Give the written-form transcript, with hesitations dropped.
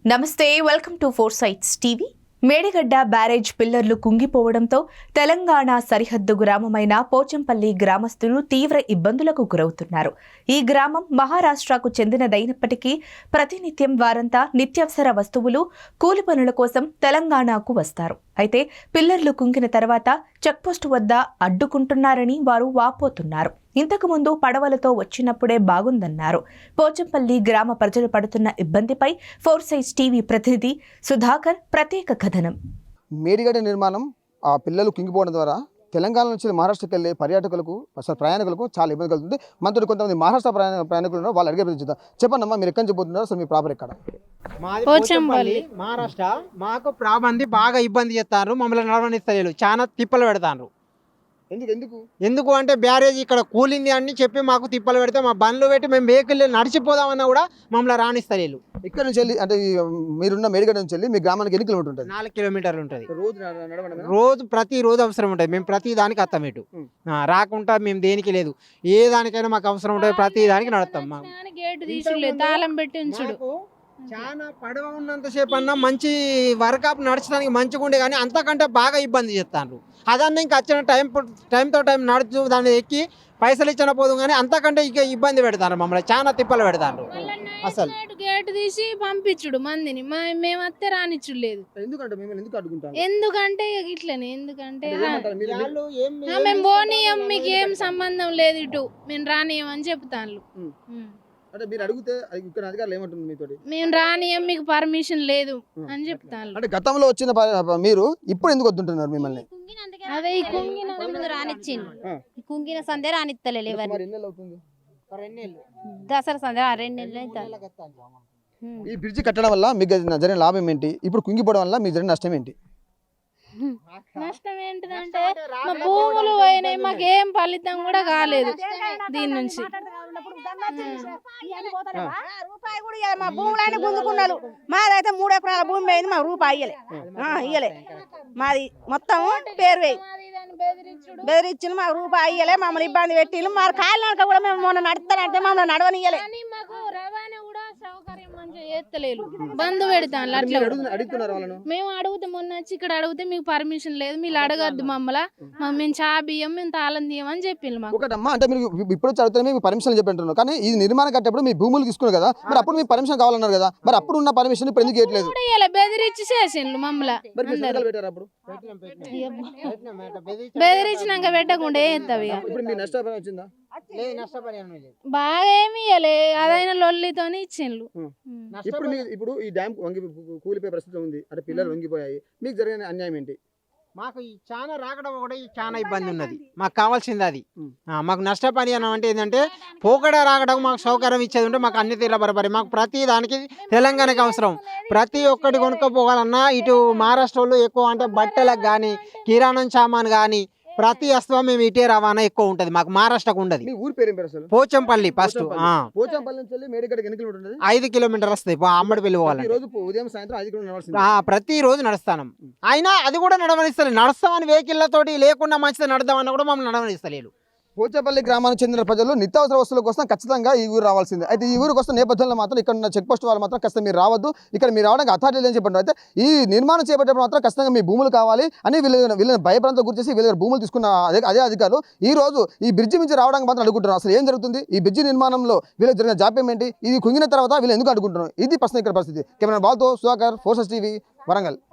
నమస్తే, welcome to Four Sides TV. Medigadda barrage పిల్లర్లు కుంగిపోవడంతో తెలంగాణ సరిహద్దు గ్రామమైన పోచంపల్లి గ్రామస్తులు తీవ్ర ఇబ్బందులకు గురవుతున్నారు. ఈ గ్రామం మహారాష్ట్రకు చెందినదైనప్పటికీ ప్రతినిత్యం వారంతా నిత్యావసర వస్తువులు, కూలి పనుల కోసం తెలంగాణకు వస్తారు. అయితే పిల్లర్లు కుంగిన తర్వాత చెక్పోస్టు వద్ద అడ్డుకుంటున్నారని వారు వాపోతున్నారు. ఇంతకుముందు పడవలతో వచ్చినప్పుడే బాగుందన్నారు. పోచంపల్లి గ్రామ ప్రజలు పడుతున్న ఇబ్బందిపై ఫోర్ సైట్స్ టీవీ ప్రతినిధి సుధాకర్ ప్రత్యేక కథనం. మేడిగడ్డ నిర్మాణం ఆ పిల్లలు కుంగిపోవడం ద్వారా తెలంగాణ నుంచి మహారాష్ట్రకి వెళ్ళే పర్యాటకులకు అసలు ప్రయాణికులకు చాలా ఇబ్బంది కలుగుతుంది. మనతో కొంతమంది మహారాష్ట్ర ప్రయాణికులు ఉన్నారు, వాళ్ళు అడిగే చూద్దాం. చెప్పండి అమ్మా, మీరు ఎక్కడి నుంచి పోతున్నారు? అసలు మీ ప్రాపర్ ఎక్కడ? పోచంపల్లి మహారాష్ట్ర. మాకు ప్రాబంది బాగా ఇబ్బంది చేస్తారు, మమ్మల్ని నడవనిస్తలేరు, చాలా తిప్పలు పెడతారు. ఎందుకు అంటే బ్యారేజ్ ఇక్కడ కూలింది అని చెప్పి మాకు తిప్పలు పెడితే మా బండ్లు పెట్టి మేము వెహికల్ నడిచిపోదామన్నా కూడా మమ్మల్ని రాణిస్తలేరు. ఇక్కడ నుంచి వెళ్ళి అంటే మీరున్న మేడిగడ్డ నుంచి వెళ్ళి మీ గ్రామానికి ఎన్ని కిలోమీటర్ ఉంటుంది? 4 కిలోమీటర్లు ఉంటుంది. ప్రతిరోజు అవసరం ఉంటుంది. మేము ప్రతి దానికి వస్తాం, ఇటు రాకుండా మేము దేనికి లేదు. ఏ దానికైనా మాకు అవసరం ఉంటుంది, ప్రతి దానికి నడుస్తాం. తాళం పెట్టి ఉంచుడు. చాలా పడవ ఉన్నంతసేపు అన్నా మంచి వర్కాప్ నడచడానికి మంచిగా ఉండే, కానీ అంతకంటే బాగా ఇబ్బంది చేస్తాను. అదన్నా ఇంకా వచ్చిన టైంతో టైం నడుచు దాన్ని ఎక్కి పైసలు ఇచ్చిన పోదు, కానీ అంతకంటే ఇక ఇబ్బంది పెడతారు, మమ్మల్ని చాలా తిప్పలు పెడతారు. అసలు గేట్ తీసి పంపించుడు మందిని, మేము వస్తే రానిచ్చుడు లేదు. ఎందుకంటే ఇట్లనే, ఎందుకంటే మేము పోనీయం, మీకు ఏం సంబంధం లేదు, ఇటు మేము రానియం అని చెప్తాను. అంటే మీరు అడిగితే ఇక్కడ అధికారులు ఏమంటుంది మీతోటి? మేము రానియం, మీకు పర్మిషన్ లేదు అని చెప్తాను. అంటే గతంలో వచ్చిన మీరు ఇప్పుడు ఎందుకు వద్దుంటున్నారు మిమ్మల్ని? అదే ఈ కుంగిన సందే రానిత్తలేదు. దసరా సందే 2 నెలలు. ఈ బ్రిడ్జి కట్టడం వల్ల మీకు జరిగిన లాభం ఏంటి? ఇప్పుడు కుంగిపోవడం వల్ల మీకు జరిగిన నష్టం ఏంటి? నష్టం ఏంటిదంటే మా భూములు పోయినాయి, మాకేం ఫలితం కూడా కాలేదు దీని నుంచి. రూపాయి కూడా మా భూములన్నీ గుంజుకున్నారు. మాదైతే 3 ఎకరాల భూమి పోయింది, మా రూపాయి ఇయ్యలే. మాది మొత్తం పేరు వేయి బెదిరించిన, మాకు రూపాయి ఇయ్యలే. మమ్మల్ని ఇబ్బంది పెట్టిళ్ళు. మా కాలినక కూడా మేము మొన్న నడుస్తానంటే మమ్మల్ని నడవనియ్యలే. మాకు రవాణా కూడా సౌకర్యం మంచిగా చేస్తలేదు, బంధు పెడతాను. అట్లా మేము అడిగితే, మొన్న వచ్చి ఇక్కడ అడిగితే మీకు పర్మిషన్ లేదు, మీరు అడగద్దు మమ్మల్ని, మేము చా బియ్యం మేము తాళం తీయం అని చెప్పింది మాకు. ఒకటమ్మా, అంటే మీరు ఇప్పుడు చదివితే మీకు పర్మిషన్ చెప్పంటున్నారు, కానీ ఇది నిర్మాణం కట్టేప్పుడు మీ భూములు తీసుకున్నారు కదా, మరి అప్పుడు మీకు పర్మిషన్ కావాలన్నారు కదా, మరి అప్పుడు ఉన్న పర్మిషన్ ఇప్పుడు ఎందుకు ఇవ్వట్లేదు? బెదిరించి చేసిండ్రు మమ్మల్ని. బెదిరించినాక పెట్టకుండా బాగా ఏమి ఇవ్వలే, అదైనా లొల్లితోనే ఇచ్చిండ్రు. ఇప్పుడు ఈ డ్యామ్ కూలిపోయే పరిస్థితి ఉంది, అంటే పిల్లలు వంగిపోయాయి, మీకు జరిగిన అన్యాయం ఏంటి? మాకు చాలా రాకడం ఒకటి చాలా ఇబ్బంది ఉన్నది. మాకు కావాల్సింది అది. మాకు నష్టపరి అని అంటే ఏంటంటే పోకడ రాకడం మాకు సౌకర్యం ఇచ్చేది ఉంటే మాకు అన్ని తీర్ల బరబరి. మాకు ప్రతి దానికి తెలంగాణకి అవసరం. ప్రతి ఒక్కటి కొనుక్కోపోవాలన్నా ఇటు మహారాష్ట్రలో ఎక్కువ అంటే బట్టలకు కానీ, కిరాణం సామాన్ కానీ ప్రతి వస్తువు మేము ఇటే రవాణా ఎక్కువ ఉంటది. మాకు మహారాష్ట్రకు ఉండదు. పోచంపల్లి ఫస్ట్. పోచంపల్లి నుంచి మేడిగడ్డకి ఎన్ని కిలోమీటర్లు ఉంటుంది? 5 కిలోమీటర్లు వస్తాయి. అమ్మడిపల్లి పోవాలి. ఉదయం సాయంత్రం 5 కిలోమీటర్లు ప్రతిరోజు నడుస్తాను. అయినా అది కూడా నడవనిస్తలేదు. నడుస్తామని వెహికల్లతోటి లేకుండా మంచిది నడదామన్నా కూడా మమ్మల్ని నడవనిస్తలేదు. పోచంపల్లి గ్రామానికి చెందిన ప్రజలు నిత్యావసర వస్తువుల కోసం ఖచ్చితంగా ఈ ఊరు రావాల్సిందే. అయితే ఈ ఊరికి వస్తున్న నేపథ్యంలో మాత్రం ఇక్కడ ఉన్న చెక్ పోస్ట్ వాళ్ళు మాత్రం ఖచ్చితంగా మీరు రావద్దు, ఇక్కడ మీరు రావడానికి అథారిటీ అని చెప్పండి. అయితే ఈ నిర్మాణం చేపట్టేప్పుడు మాత్రం ఖచ్చితంగా మీ భూములు కావాలి అని వీళ్ళని భయభ్రాంతం గురి చేసి వీళ్ళ భూములు తీసుకున్న అదే అధికారులు ఈ రోజు ఈ బ్రిడ్జి నుంచి రావడానికి మాత్రం అడుగుంటున్నారు. అసలు ఏం జరుగుతుంది? ఈ బ్రిడ్జి నిర్మాణంలో వీళ్ళకి జరిగిన జాప్యం ఏంటి? ఇది కుంగిన తర్వాత వీళ్ళు ఎందుకు అడుగుంటున్నారు? ఇది ప్రశ్న ఇక్కడ పరిస్థితి. కెమెరా బాల్తో Sudhakar, Four Sides TV, Warangal.